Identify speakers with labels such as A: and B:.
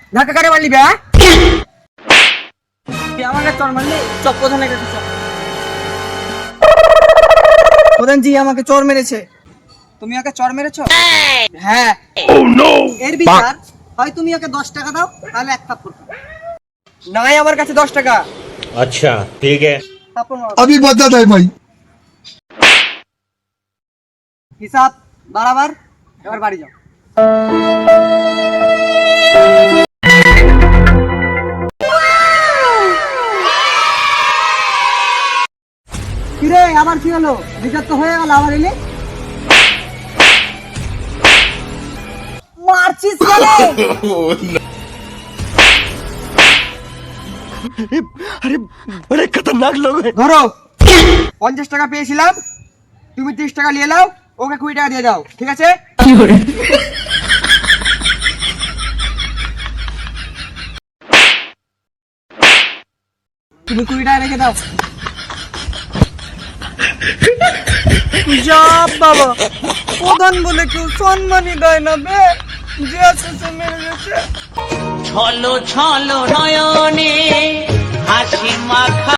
A: ধাক্কা কারে মারলি বে? তুই আমাকে চর মারলি? চপ প্রধানের কাছে চপ। প্রধান জি আমাকে চর মেরেছে। তুমি ওকে চর মেরেছো? হ্যাঁ। এর বিচার হয় তুমি ওকে 10 টাকা দাও, তাহলে এক থাপ্পড়। নাই আমার কাছে 10 টাকা।
B: अच्छा ठीक है।
A: থাপ্পড় মারো।
C: अभी बता दे भाई।
A: হিসাব বরাবর, এবার বাড়ি যাও। কিরে আবার কি হলো? বিচার তো হয়ে গেল, আবার এলি? মারছিস কেন?
B: बड़े खतरनाक लोग हैं।
A: ধরো 50 টাকা পেয়েছিলাম, তুমি 30 টাকা নিয়ে নাও, ওকে 20 টাকা দিয়ে দাও, ঠিক আছে? তুমি 20 টাকা রেখে দাও। যা বাবা, প্রধান বলে কেউ সম্মানই দেয় না বে, যে আছে সে মেরে গেছে।
D: ছলো ছলো নয়নে হাসি মাখা